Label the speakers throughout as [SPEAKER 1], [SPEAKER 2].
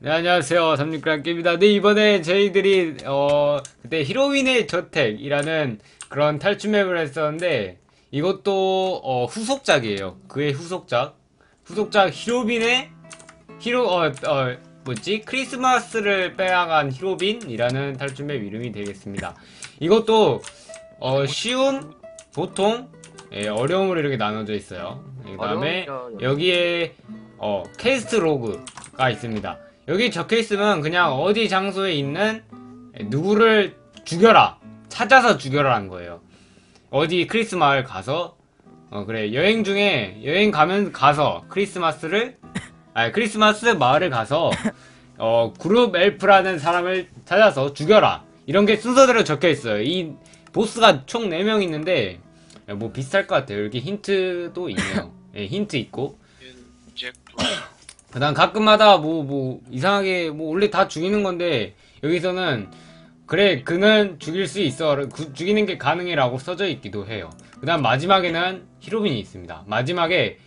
[SPEAKER 1] 네, 안녕하세요. 삼육그랑입니다. 네, 이번에 저희들이, 그때 히로윈의 저택이라는 그런 탈출 맵을 했었는데, 이것도, 후속작이에요. 그의 후속작. 후속작 히로빈의, 뭐지? 크리스마스를 빼앗간 히로빈이라는 탈출 맵 이름이 되겠습니다. 이것도, 쉬움, 보통, 예, 어려움으로 이렇게 나눠져 있어요. 그 다음에, 여기에, 퀘스트 로그가 있습니다. 여기 적혀있으면 그냥 어디 장소에 있는 누구를 죽여라, 찾아서 죽여라 는 거예요. 어디 크리스 마을 가서 그래, 여행 중에 가서 크리스마스 마을을 가서 그룹 엘프라는 사람을 찾아서 죽여라, 이런 게 순서대로 적혀있어요. 이 보스가 총 4명 있는데 뭐 비슷할 것 같아요. 여기 힌트도 있네요. 예, 힌트 있고, 그 다음 가끔마다 이상하게 원래 다 죽이는 건데, 여기서는 그래, 그는 죽일 수 있어, 죽이는 게 가능해 라고 써져 있기도 해요. 그 다음 마지막에는 히로빈이 있습니다. 마지막에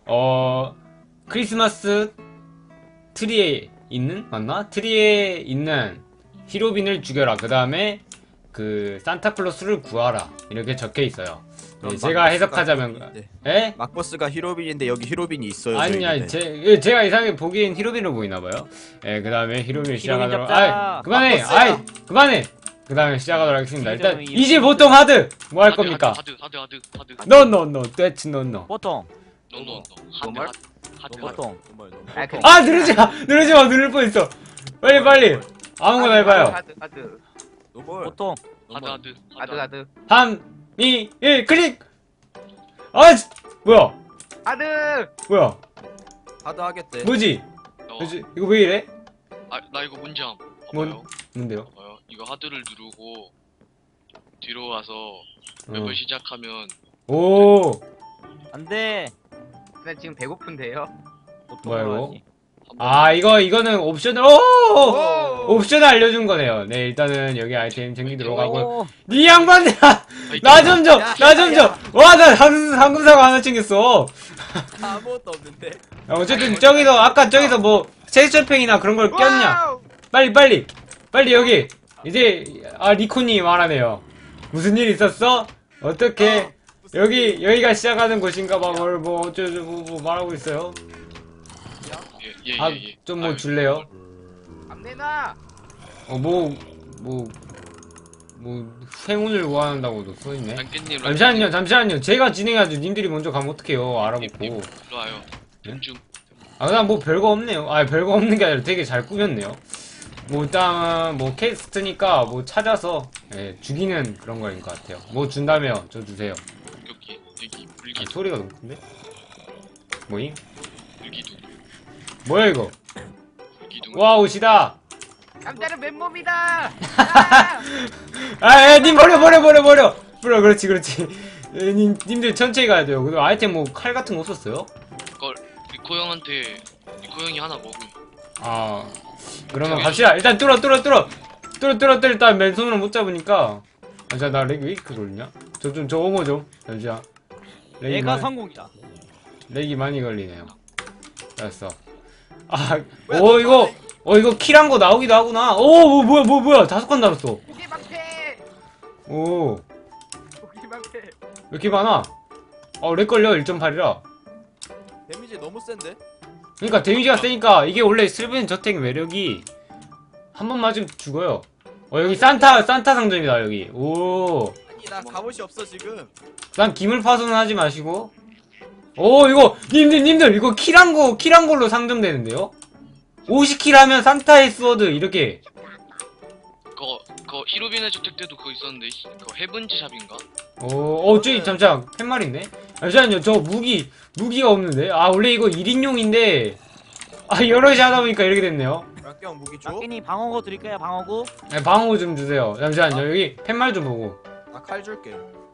[SPEAKER 1] 크리스마스 트리에 있는, 맞나? 트리에 있는 히로빈을 죽여라, 그 다음에 그 산타클로스를 구하라, 이렇게 적혀 있어요. 네, 제가 해석하자면, 에?
[SPEAKER 2] 막버스가 히로빈인데 여기 히로빈이 있어요.
[SPEAKER 1] 아니야, 제가 이상하게 보기엔 히로빈으로 보이나봐요. 예, 그 다음에 히로빈을 시작하도록, 그만해! 그만해! 그 다음에 시작하도록 하겠습니다. 일단, 이제 보통 하드! 뭐 할 겁니까?
[SPEAKER 3] 하드.
[SPEAKER 1] 노, 떼치 노.
[SPEAKER 4] 보통.
[SPEAKER 3] 하드.
[SPEAKER 4] 보통.
[SPEAKER 1] 아, 누르지 마! 누를 뻔했어! 빨리! 아무거나 해봐요.
[SPEAKER 5] 하드.
[SPEAKER 2] 노멀.
[SPEAKER 4] 보통.
[SPEAKER 5] 하드.
[SPEAKER 1] 3, 2, 1, 클릭! 아, 뭐야?
[SPEAKER 5] 하드.
[SPEAKER 1] 뭐야?
[SPEAKER 2] 하드 하겠대.
[SPEAKER 1] 뭐지? 이거 왜 이래?
[SPEAKER 3] 나 이거 문제함.
[SPEAKER 1] 뭔데요?
[SPEAKER 3] 봐봐요. 이거 하드를 누르고 뒤로 와서 맵을 시작하면
[SPEAKER 1] 오,
[SPEAKER 4] 안 돼.
[SPEAKER 5] 나 지금 배고픈데요.
[SPEAKER 4] 보통.
[SPEAKER 1] 뭐야, 이거?
[SPEAKER 4] 해야지.
[SPEAKER 1] 아, 이거는 옵션을, 옵션을 알려준 거네요. 네, 일단은 여기 아이템 챙기도록 하고. 니 양반들아! 나 좀 줘! 와, 나 황금사과 하나 챙겼어.
[SPEAKER 2] 아무것도 없는데.
[SPEAKER 1] 야, 어쨌든 아까 저기서 뭐 셰이처팽이나 그런 걸 꼈냐? 빨리 여기. 이제 리코님이 말하네요. 무슨 일 있었어? 어떻게 여기가 시작하는 곳인가봐. 뭐 어쩌고 뭐 말하고 있어요.
[SPEAKER 3] 예.
[SPEAKER 1] 좀 뭐 줄래요?
[SPEAKER 5] 안 내놔.
[SPEAKER 1] 행운을 구한다고도 써있네.
[SPEAKER 3] 랑깨님
[SPEAKER 1] 잠시만요. 제가 진행하죠. 님들이 먼저 가면 어떡해요. 알아보고.
[SPEAKER 3] 일로 와요. 중.
[SPEAKER 1] 그냥 뭐 별거 없네요. 별거 없는 게 아니라 되게 잘 꾸몄네요. 일단 퀘스트니까 찾아서, 예, 죽이는 그런 거인 것 같아요. 뭐 준다며, 저 주세요.
[SPEAKER 3] 여기 물기.
[SPEAKER 1] 소리가 너무 큰데? 뭐임?
[SPEAKER 3] 물기둥.
[SPEAKER 1] 뭐야 이거?
[SPEAKER 3] 물기둥.
[SPEAKER 1] 와, 옷이다!
[SPEAKER 5] 남자는 맨몸이다.
[SPEAKER 1] 님 버려! 그렇지. 님들 천천히 가야 돼요. 그리고 아이템 칼 같은 거 없었어요?
[SPEAKER 3] 이걸 리코 형이 하나 먹음.
[SPEAKER 1] 그러면 갑시다. 일단 뚫어. 일단 맨손으로 못 잡으니까. 나 렉 왜 이렇게 걸리냐? 저 옹호 좀. 잠시만.
[SPEAKER 4] 내가 성공이다.
[SPEAKER 1] 렉이 많이 걸리네요. 됐어. 이거 킬한 거 나오기도 하구나. 뭐야. 5칸 달았어.
[SPEAKER 5] 고기 방패.
[SPEAKER 1] 왜 이렇게 많아? 렉 걸려. 1.8이라.
[SPEAKER 2] 데미지 너무 센데?
[SPEAKER 1] 그러니까 데미지가 세니까. 이게 원래 슬픈 저택 매력이 한 번 맞으면 죽어요. 여기 산타 상점이다. 여기.
[SPEAKER 2] 아니 나 갑옷이 없어 지금.
[SPEAKER 1] 난 기물 파손은 하지 마시고. 이거 님들 이거 킬한 걸로 상점되는데요? 50킬 하면 산타의 스워드 이렇게.
[SPEAKER 3] 그거 히로빈의 저택 때도 그거 있었는데 그거 헤븐즈 샵인가?
[SPEAKER 1] 저기 잠시만 팻말인데? 잠시만요. 저 무기가 없는데? 원래 이거 1인용인데 여럿이 하다 보니까 이렇게 됐네요.
[SPEAKER 2] 락경 무기 줘?
[SPEAKER 4] 락끼니 방어구 드릴까요? 방어구?
[SPEAKER 1] 네, 방어 좀 주세요. 잠시만요. 여기 팻말 좀 보고.
[SPEAKER 2] 나 칼 줄게.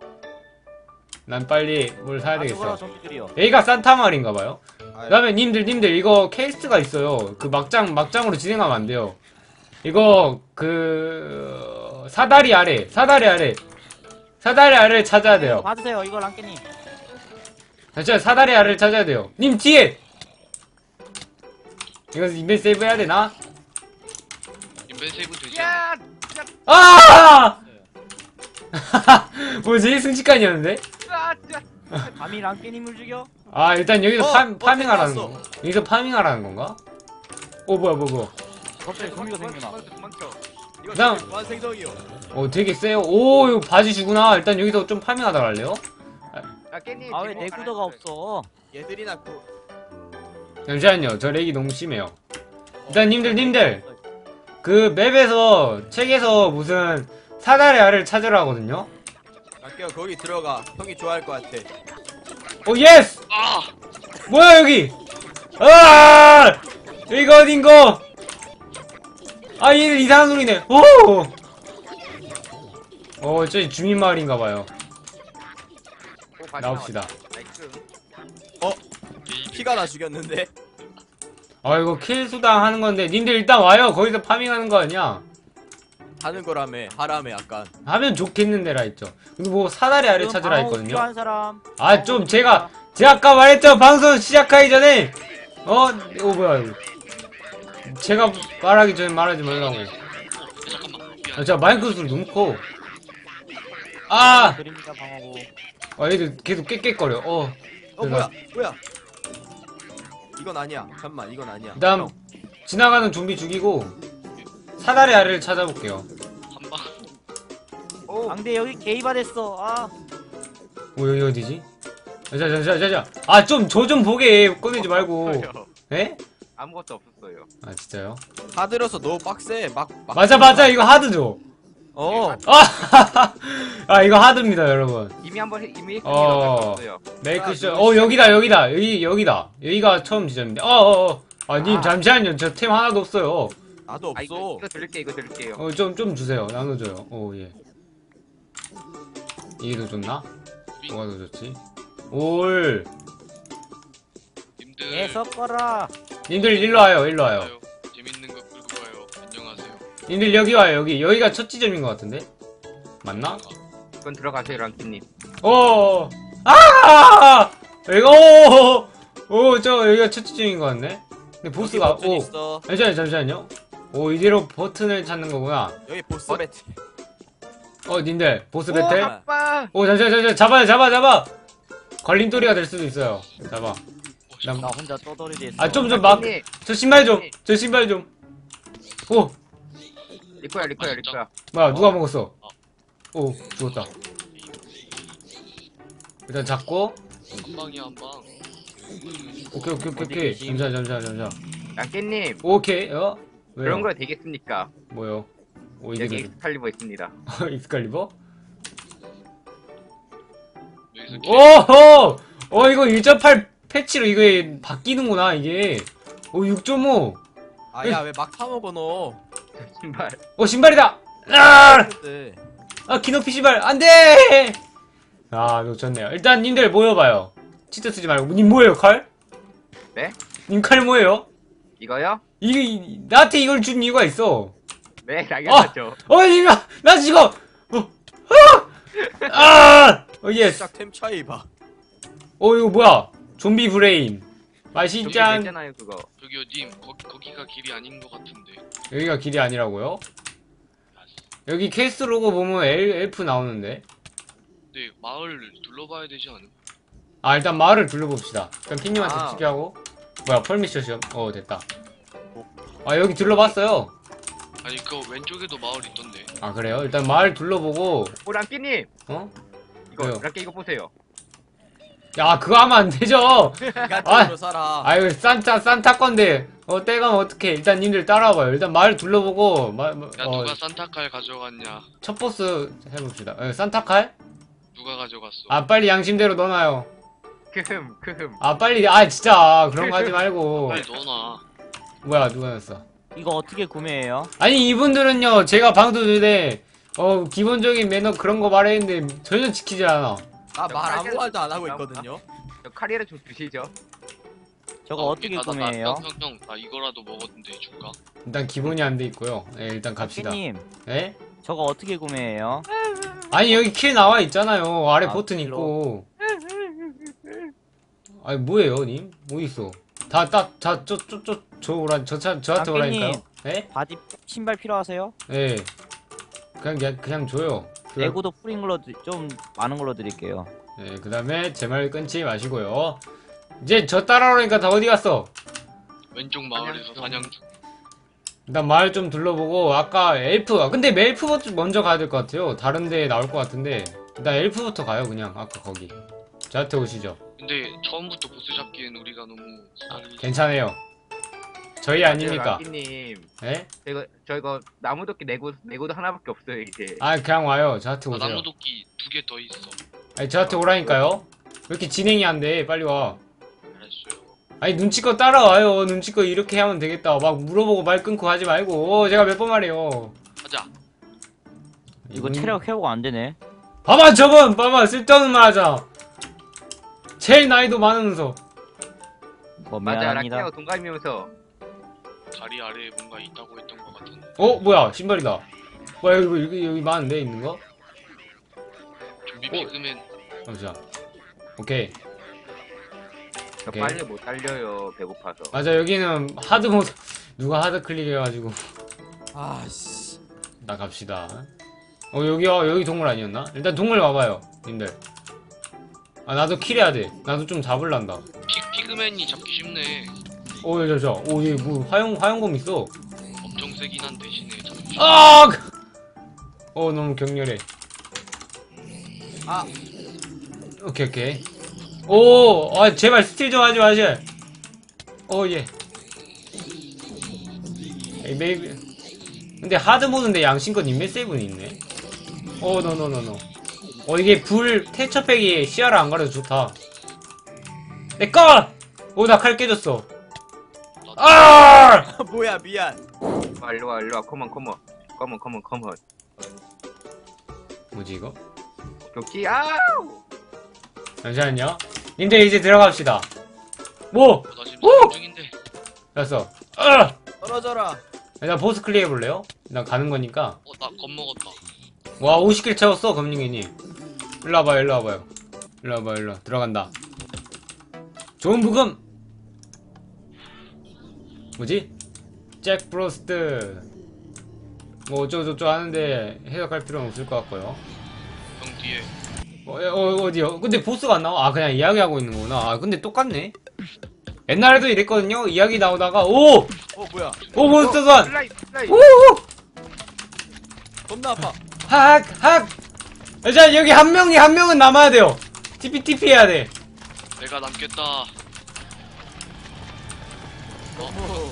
[SPEAKER 1] 난 빨리 뭘 사야 되겠어.
[SPEAKER 4] 좀비들이요.
[SPEAKER 1] 여기가 산타 마을인가봐요. 그 다음에 님들 이거 퀘스트가 있어요. 그 막장으로 진행하면 안 돼요. 이거 사다리 아래를 찾아야 돼요.
[SPEAKER 4] 봐주세요. 이거 랑끼니.
[SPEAKER 1] 잠시만, 사다리 아래를 찾아야 돼요. 님 뒤에! 이거 인벤 세이브 해야 되나?
[SPEAKER 3] 레벨 세이브 되지 않아?
[SPEAKER 5] 야!
[SPEAKER 1] 아! 뭐지? 순식간이었는데?
[SPEAKER 4] 감히 랑깨님을 죽여?
[SPEAKER 1] 아, 일단 여기서 파밍하라는
[SPEAKER 2] 나왔어.
[SPEAKER 1] 거. 여기서 파밍하라는 건가? 뭐야.
[SPEAKER 4] 갑자기 좀비가 생겨나.
[SPEAKER 5] 도망쳐.
[SPEAKER 2] 이거
[SPEAKER 1] 그다음-
[SPEAKER 2] 지금 무한 생성이요.
[SPEAKER 1] 되게 세요. 오, 이거 바지 주구나. 일단 여기서 좀 파밍하다 갈래요?
[SPEAKER 5] 야, 깻잎.
[SPEAKER 4] 아 왜 내 구도가 없어?
[SPEAKER 2] 얘들이나 그
[SPEAKER 1] 잠시만요. 저 렉이 너무 심해요. 일단 님들. 그 맵에서, 책에서 무슨 사다리 알을 찾으라 하거든요?
[SPEAKER 2] 아껴 거기 들어가. 형이 좋아할 것 같아.
[SPEAKER 1] 오, 예스!
[SPEAKER 3] 아!
[SPEAKER 1] 뭐야, 여기! 아! 여기가 어딘거! 아, 얘들 이상한 소리네. 오! 저기 주민마을인가봐요. 나옵시다.
[SPEAKER 5] 나이스.
[SPEAKER 2] 피가 나 죽였는데.
[SPEAKER 1] 아, 이거 킬 수당 하는 건데, 님들 일단 와요. 거기서 파밍하는 거 아니야?
[SPEAKER 2] 하는 거라며. 하라며 약간.
[SPEAKER 1] 하면 좋겠는데라 했죠. 그리고 뭐 사다리 알을
[SPEAKER 4] 지금
[SPEAKER 1] 찾으라
[SPEAKER 4] 방어구
[SPEAKER 1] 했거든요.
[SPEAKER 4] 필요한 사람.
[SPEAKER 1] 아, 좀 제가 아까 말했죠. 방송 시작하기 전에 뭐야 이거. 제가 말하기 전에 말하지 말라고.
[SPEAKER 3] 잠깐만. 미안.
[SPEAKER 1] 제가 마이크 소리 너무 커. 아!
[SPEAKER 4] 드립니다 방어구.
[SPEAKER 1] 얘들 계속 깨깨거려.
[SPEAKER 2] 뭐야? 이건 아니야. 잠만, 이건 아니야.
[SPEAKER 1] 그다음 지나가는 좀비 죽이고 사다리 알을 찾아볼게요.
[SPEAKER 3] 한방.
[SPEAKER 5] 오,
[SPEAKER 4] 앙대 여기 게이바 됐어. 아
[SPEAKER 1] 여기 어디지? 자. 저 좀 보게 꺼내지 말고. 에?
[SPEAKER 5] 아무것도 없었어요.
[SPEAKER 1] 아, 진짜요?
[SPEAKER 2] 다 들어서 너무 빡세. 막.
[SPEAKER 1] 맞아. 이거 하드죠? 이거 하드입니다, 여러분.
[SPEAKER 5] 이미 이미
[SPEAKER 1] 어.
[SPEAKER 5] 했었어요.
[SPEAKER 1] 메이크쇼. 여기다. 여기다. 여기가 처음 지점인데. 님, 잠시만요. 저 템 하나도 없어요.
[SPEAKER 2] 나도
[SPEAKER 5] 아,
[SPEAKER 2] 없어.
[SPEAKER 5] 이거 드릴게요.
[SPEAKER 1] 좀 주세요. 나눠줘요. 예. 이게 더 좋나? 뭐가 더 좋지?
[SPEAKER 3] 님들.
[SPEAKER 4] 애 섞어라.
[SPEAKER 1] 님들 일로 와요.
[SPEAKER 3] 재밌는 거 끌고 가요. 안녕하세요.
[SPEAKER 1] 님들 여기 와요. 여기가 첫 지점인 것 같은데? 맞나?
[SPEAKER 5] 그건 들어가세요, 랑키님.
[SPEAKER 1] 여기가 첫 지점인 것 같네? 근데 보스가,
[SPEAKER 2] 버튼 있어.
[SPEAKER 1] 잠시만요. 이대로 버튼을 찾는 거구나.
[SPEAKER 2] 여기 보스 배트.
[SPEAKER 1] 님들, 보스
[SPEAKER 5] 오,
[SPEAKER 1] 배틀?
[SPEAKER 5] 아빠.
[SPEAKER 1] 잠시만, 잡아! 걸림돌이가 될 수도 있어요. 잡아.
[SPEAKER 4] 나 혼자 떠돌이 됐어.
[SPEAKER 5] 랑키님,
[SPEAKER 1] 저 신발 좀.
[SPEAKER 5] 리코야.
[SPEAKER 1] 뭐야, 누가 먹었어? 죽었다. 일단 잡고,
[SPEAKER 3] 한방이야 한방.
[SPEAKER 1] 오케이. 잠시만.
[SPEAKER 5] 랑키님,
[SPEAKER 1] 오케이, 왜요?
[SPEAKER 5] 그런 거 되겠습니까?
[SPEAKER 1] 뭐요?
[SPEAKER 5] 여기
[SPEAKER 1] 이게
[SPEAKER 5] 엑스칼리버 있습니다.
[SPEAKER 1] 익스칼리버?
[SPEAKER 3] 여기서
[SPEAKER 1] 오호! 이거 1.8 패치로 이게 바뀌는구나, 이게. 6.5.
[SPEAKER 2] 야, 왜 막 사먹어 너?
[SPEAKER 5] 신발.
[SPEAKER 1] 신발이다!
[SPEAKER 2] 근데
[SPEAKER 1] 키높이 신발! 안 돼! 놓쳤네요. 일단, 님들 모여봐요. 치트 쓰지 말고. 님 뭐예요, 칼?
[SPEAKER 5] 네?
[SPEAKER 1] 님 칼 뭐예요?
[SPEAKER 5] 이거요?
[SPEAKER 1] 나한테 이걸 준 이유가 있어.
[SPEAKER 5] 네, 당연하죠.
[SPEAKER 1] 나 지금! 예스!
[SPEAKER 2] 딱 템 차이 봐.
[SPEAKER 1] 이거 뭐야? 좀비 브레인.
[SPEAKER 5] 저기
[SPEAKER 1] 맛있짠.
[SPEAKER 5] 있잖아요, 그거.
[SPEAKER 3] 저기요 님 거기가 길이 아닌 것 같은데.
[SPEAKER 1] 여기가 길이 아니라고요? 여기 퀘스트 로고 보면 엘프 나오는데.
[SPEAKER 3] 근데 마을 둘러봐야 되지 않음?
[SPEAKER 1] 일단 마을을 둘러봅시다. 일단 핑님한테
[SPEAKER 5] 아.
[SPEAKER 1] 투표하고. 뭐야, 펄미션 시험. 됐다. 여기 둘러봤어요.
[SPEAKER 3] 아니 그 왼쪽에도 마을 있던데.
[SPEAKER 1] 그래요? 일단 마을 둘러보고.
[SPEAKER 5] 오, 랑키님!
[SPEAKER 1] 왜요?
[SPEAKER 5] 랑키 이거 보세요.
[SPEAKER 1] 그거 하면 안 되죠!
[SPEAKER 2] 인간적으로 살아.
[SPEAKER 1] 이거 산타 건데. 떼가면 어떡해. 일단 님들 따라와봐요. 일단 마을 둘러보고.
[SPEAKER 3] 야 누가 산타칼 가져갔냐?
[SPEAKER 1] 첫 보스 해봅시다. 산타칼?
[SPEAKER 3] 누가 가져갔어?
[SPEAKER 1] 빨리 양심대로 넣어놔요.
[SPEAKER 5] 크흠.
[SPEAKER 1] 빨리. 진짜. 그런 거 하지 말고.
[SPEAKER 3] 빨리 넣어놔.
[SPEAKER 1] 뭐야, 누가 넣었어?
[SPEAKER 4] 이거 어떻게 구매해요?
[SPEAKER 1] 아니, 이분들은요, 제가 방송 전에, 기본적인 매너 그런 거 말했는데, 전혀 지키지 않아.
[SPEAKER 2] 말 아무 말도 안 하고 있거든요.
[SPEAKER 5] 저 카리를 좀 주시죠.
[SPEAKER 4] 저거 어떻게 구매해요?
[SPEAKER 3] 형, 나 이거라도 먹었는데 줄까?
[SPEAKER 1] 일단 기본이 안 돼 있고요. 일단 갑시다.
[SPEAKER 4] 랑깨님
[SPEAKER 1] 예?
[SPEAKER 4] 저거 어떻게 구매해요?
[SPEAKER 1] 아니, 여기 킬 나와 있잖아요. 아래
[SPEAKER 4] 아,
[SPEAKER 1] 버튼
[SPEAKER 4] 킬로.
[SPEAKER 1] 있고. 뭐예요, 님? 뭐 있어? 저한테 오라니까요? 네?
[SPEAKER 4] 바지 신발 필요하세요?
[SPEAKER 1] 네. 그냥 줘요.
[SPEAKER 4] 내구도 풀인 걸로 좀 많은 걸로 드릴게요.
[SPEAKER 1] 네, 그 다음에 제 말 끊지 마시고요. 이제 저 따라오니까 다 어디 갔어?
[SPEAKER 3] 왼쪽 마을에서 사냥 중.
[SPEAKER 1] 일단 마을 좀 둘러보고, 아까 엘프, 근데 멜프부터 먼저 가야 될 것 같아요. 다른 데 나올 것 같은데. 일단 엘프부터 가요, 그냥. 아까 거기. 저한테 오시죠.
[SPEAKER 3] 근데 처음부터 보스 잡기엔 우리가 너무 수다를.
[SPEAKER 1] 괜찮아요. 저희 아니니까.
[SPEAKER 5] 락기님,
[SPEAKER 1] 예?
[SPEAKER 5] 저 이거 나무도끼 내구도 하나밖에 없어요 이제.
[SPEAKER 1] 아, 그냥 와요. 저한테
[SPEAKER 3] 나
[SPEAKER 1] 오세요.
[SPEAKER 3] 나무도끼 2개 더 있어.
[SPEAKER 1] 아니, 저한테 오라니까요. 왜 이렇게 진행이 안 돼? 빨리 와.
[SPEAKER 3] 알았어요.
[SPEAKER 1] 아니, 눈치껏 따라와요. 눈치껏 이렇게 하면 되겠다. 막 물어보고 말 끊고 하지 말고. 제가 몇 번 말해요.
[SPEAKER 3] 가자.
[SPEAKER 4] 이거 체력 회복 안 되네.
[SPEAKER 1] 봐봐, 저번! 봐봐, 쓸데없는 말 하자. 제일 나이도 많으면서.
[SPEAKER 4] 뭐
[SPEAKER 5] 맞아,
[SPEAKER 4] 미안합니다.
[SPEAKER 5] 락기하고 동갑이면서.
[SPEAKER 3] 다리 아래에 뭔가 있다고 했던 것 같은데.
[SPEAKER 1] 뭐야, 신발이다. 뭐야, 여기 많은데, 있는 거?
[SPEAKER 3] 좀비
[SPEAKER 1] 어?
[SPEAKER 3] 피그맨.
[SPEAKER 1] 잠시만. 오케이.
[SPEAKER 5] 저
[SPEAKER 1] 오케이.
[SPEAKER 5] 빨리 못 달려요 배고파서.
[SPEAKER 1] 맞아, 여기는 하드 모드. 누가 하드 클릭해가지고.
[SPEAKER 2] 아씨.
[SPEAKER 1] 나 갑시다. 여기 동물 아니었나? 일단 동물 와봐요, 님들. 아, 나도 킬해야 돼. 나도 좀 잡을란다.
[SPEAKER 3] 피그맨이 잡기 쉽네.
[SPEAKER 1] 여기 뭐, 화용검 있어.
[SPEAKER 3] 엄청 세긴 한 대신에 잡기 쉽네.
[SPEAKER 1] 아! 너무 격렬해.
[SPEAKER 2] 아.
[SPEAKER 1] 오케이. 제발 스틸 좀 하지 마시. 예. 에이, 메이비. 근데 하드 모드인데 양심껏 인맥 세이브는 있네. 노. 이게 태처팩이 시야를 안 가려서 좋다. 내 거! 나 칼 깨졌어. 아!
[SPEAKER 2] 뭐야 미안.
[SPEAKER 5] 일로와 컴온.
[SPEAKER 1] 뭐지 이거?
[SPEAKER 5] 오케이. 아우.
[SPEAKER 1] 잠시만요. 님들 이제 들어갑시다. 뭐?
[SPEAKER 3] 나 지금
[SPEAKER 1] 오!
[SPEAKER 3] 사냥 중인데.
[SPEAKER 1] 됐어.
[SPEAKER 2] 떨어져라.
[SPEAKER 1] 일단 보스 클리어 해볼래요? 난 가는 거니까.
[SPEAKER 3] 나 겁먹었다.
[SPEAKER 1] 와, 50킬 채웠어, 검링이님. 일로 와봐요. 들어간다. 좋은 부금! 뭐지? 잭 프로스트. 뭐 어쩌고저쩌고 하는데 해석할 필요는 없을 것 같고요.
[SPEAKER 3] 형 뒤에.
[SPEAKER 1] 어디요? 근데 보스가 안 나와? 그냥 이야기하고 있는 거구나. 근데 똑같네. 옛날에도 이랬거든요? 이야기 나오다가,
[SPEAKER 2] 뭐야.
[SPEAKER 1] 몬스터선!
[SPEAKER 5] 슬라이.
[SPEAKER 2] 겁나 아파.
[SPEAKER 1] 학! 자, 여기 한 명은 남아야 돼요. TP 해야 돼.
[SPEAKER 3] 내가 남겠다.
[SPEAKER 2] 너무.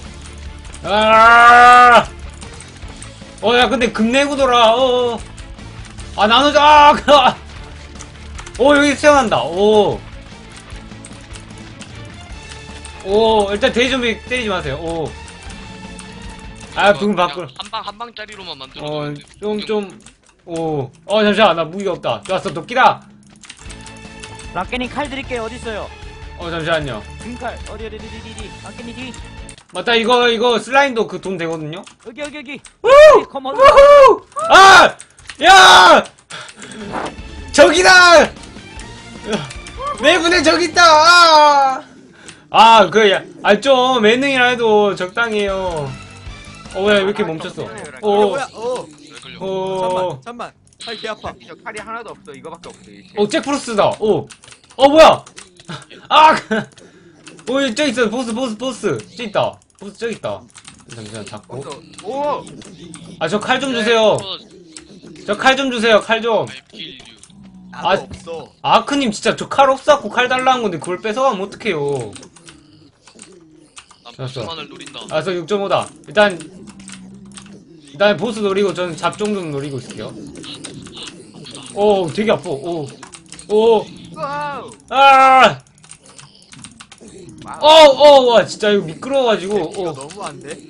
[SPEAKER 1] 아! 야, 근데 급내구도라. 나누자. 여기 수영한다. 일단 돼지 좀비 때리지 마세요. 붕 밖으로.
[SPEAKER 3] 한 방짜리로만 만들어.
[SPEAKER 1] 잠시만, 나 무기가 없다. 좋았어, 도끼다.
[SPEAKER 4] 락게님 칼 드릴게요. 어디 있어요?
[SPEAKER 1] 잠시만요.
[SPEAKER 4] 금칼 어디. 락게님 뒤.
[SPEAKER 1] 맞다, 이거 슬라임도 그 돈 되거든요?
[SPEAKER 4] 여기.
[SPEAKER 1] 우!
[SPEAKER 4] 컴온.
[SPEAKER 1] 우후! 야! 저기다! 내 분에 저기 있다! 좀, 예능이라 해도 적당히 해요. 왜 이렇게 멈췄어?
[SPEAKER 2] 뭐야.
[SPEAKER 3] 왜 걸려?
[SPEAKER 2] 잠만. 팔 개 아파.
[SPEAKER 5] 저 칼이 하나도 없어. 이거밖에 없어 이제.
[SPEAKER 1] 잭프로스다. 뭐야? 저기 있어. 보스. 저기 있다. 보스 저기 있다. 잠시만, 잡고.
[SPEAKER 5] 오.
[SPEAKER 1] 저 칼 좀 주세요. 저 칼 좀 주세요, 칼 좀.
[SPEAKER 3] I kill you.
[SPEAKER 2] 나도 없어.
[SPEAKER 1] 아크님 진짜 저 칼 없었고 칼 달라는 건데 그걸 뺏어가면 어떡해요.
[SPEAKER 3] 난
[SPEAKER 1] 됐어.
[SPEAKER 3] 보스만을 노린다.
[SPEAKER 1] 저 6.5다. 일단 보스 노리고 저는 잡종 좀 노리고 있을게요. 되게 아파.
[SPEAKER 5] 와우.
[SPEAKER 1] 와, 진짜 이거 미끄러워가지고.
[SPEAKER 2] 이거 너무 안 돼.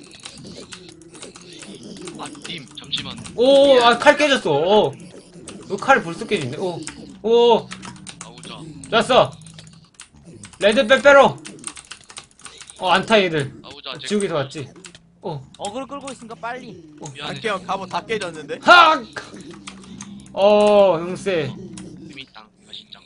[SPEAKER 3] 님 잠시만.
[SPEAKER 1] 칼 깨졌어. 칼이 벌써 깨진대.
[SPEAKER 3] 나오자.
[SPEAKER 1] 좋았어. 레드 빼빼로. 안타 얘들.
[SPEAKER 3] 나오자.
[SPEAKER 1] 지옥에서 왔지.
[SPEAKER 4] 어그로 끌고 있으니까 빨리.
[SPEAKER 3] 미안해.
[SPEAKER 2] 안깨형 갑옷 다 깨졌는데.
[SPEAKER 1] 학! 형세.
[SPEAKER 3] 재밌당. 맛있짱.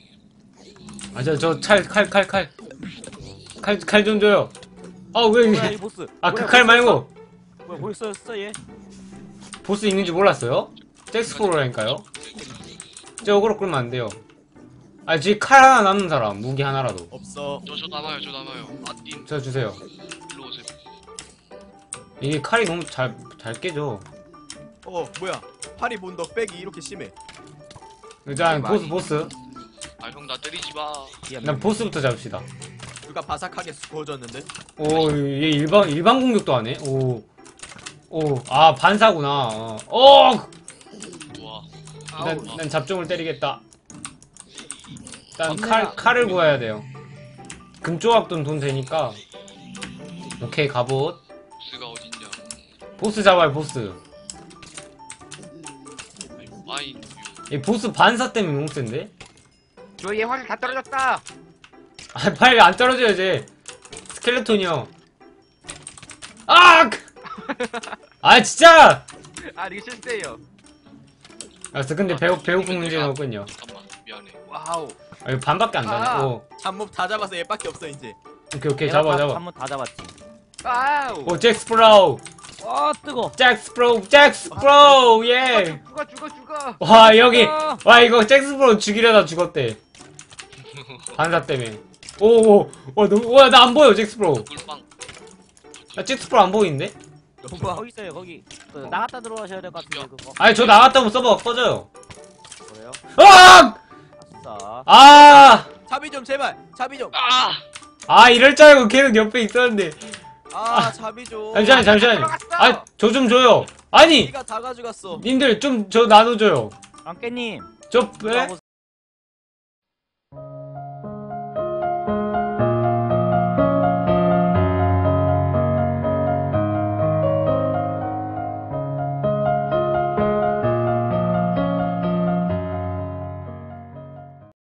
[SPEAKER 1] 칼 좀 줘요. 왜
[SPEAKER 4] 뭐야
[SPEAKER 1] 이게.
[SPEAKER 4] 이 보스.
[SPEAKER 1] 그 칼 말고.
[SPEAKER 4] 뭐야 벌써였어 얘?
[SPEAKER 1] 보스 있는지 몰랐어요? 잭스포로라니까요. 저 어그로 끌면 안 돼요. 아, 지금 칼 하나 남는 사람, 무기 하나라도.
[SPEAKER 2] 없어.
[SPEAKER 3] 저 남아요. 아님
[SPEAKER 1] 저 주세요.
[SPEAKER 3] 일로 오세요.
[SPEAKER 1] 이게 칼이 너무 잘 깨져.
[SPEAKER 2] 뭐야? 파리 본덕 백이 이렇게 심해.
[SPEAKER 1] 일단 보스.
[SPEAKER 3] 아 형 나 때리지 마.
[SPEAKER 1] 일단 보스부터 잡읍시다.
[SPEAKER 2] 누가 바삭하게 구워졌는데?
[SPEAKER 1] 오, 얘 일반 공격도 안 해? 아, 반사구나.
[SPEAKER 3] 우와.
[SPEAKER 1] 난 잡종을 때리겠다. 일단
[SPEAKER 4] 없네요.
[SPEAKER 1] 칼을 구해야 돼요. 금조각돈 돈 되니까. 오케이, 갑옷.
[SPEAKER 3] 보스가 어딨냐?
[SPEAKER 1] 보스 잡아요, 보스.
[SPEAKER 3] 아니, 와인.
[SPEAKER 1] 이 보스 반사 때문에 너무 센데?
[SPEAKER 5] 저얘 화살 다 떨어졌다.
[SPEAKER 1] 아, 빨리 안 떨어져요, 쟤. 스켈레톤이요. 아! 아, 진짜!
[SPEAKER 5] 아 이게 실수예요.
[SPEAKER 1] 알았어, 근데 배고픈 문제는 없군요.
[SPEAKER 3] 잠깐만 미안해.
[SPEAKER 5] 와우.
[SPEAKER 1] 아, 이거 반밖에 안 나네.
[SPEAKER 5] 아.
[SPEAKER 1] 오,
[SPEAKER 2] 잡몹 다 잡아서 얘밖에 없어 이제.
[SPEAKER 1] 오케이, 잡아.
[SPEAKER 4] 한번 다 잡았지.
[SPEAKER 5] 와우.
[SPEAKER 1] 오, 잭스프로우!
[SPEAKER 4] 뜨거.
[SPEAKER 1] 잭스프로우, 예!
[SPEAKER 5] 죽어.
[SPEAKER 1] 와, 여기! 와, 이거 잭스프로우 죽이려다 죽었대. 반사 때문에. 와, 나 안 보여, 잭스프로우.
[SPEAKER 3] 꿀빵.
[SPEAKER 1] 나 잭스프로우 안 보이는데?
[SPEAKER 2] 너무
[SPEAKER 4] 거기 있어요 거기. 나갔다 들어가셔야 될 것 같은데 그거.
[SPEAKER 1] 아니, 저 나갔다 오면 서버가 꺼져요.
[SPEAKER 4] 그래요?
[SPEAKER 1] 아!
[SPEAKER 4] 아싸.
[SPEAKER 1] 아!
[SPEAKER 2] 자비 좀 제발. 자비 좀.
[SPEAKER 1] 아, 이럴 줄 알고 계속 옆에 있었는데.
[SPEAKER 2] 자비 좀.
[SPEAKER 1] 잠시만요. 아, 저 좀 줘요. 아니!
[SPEAKER 2] 네가 다 가져갔어.
[SPEAKER 1] 님들 좀 저 나눠줘요.
[SPEAKER 4] 랑깨님.
[SPEAKER 1] 저, 왜?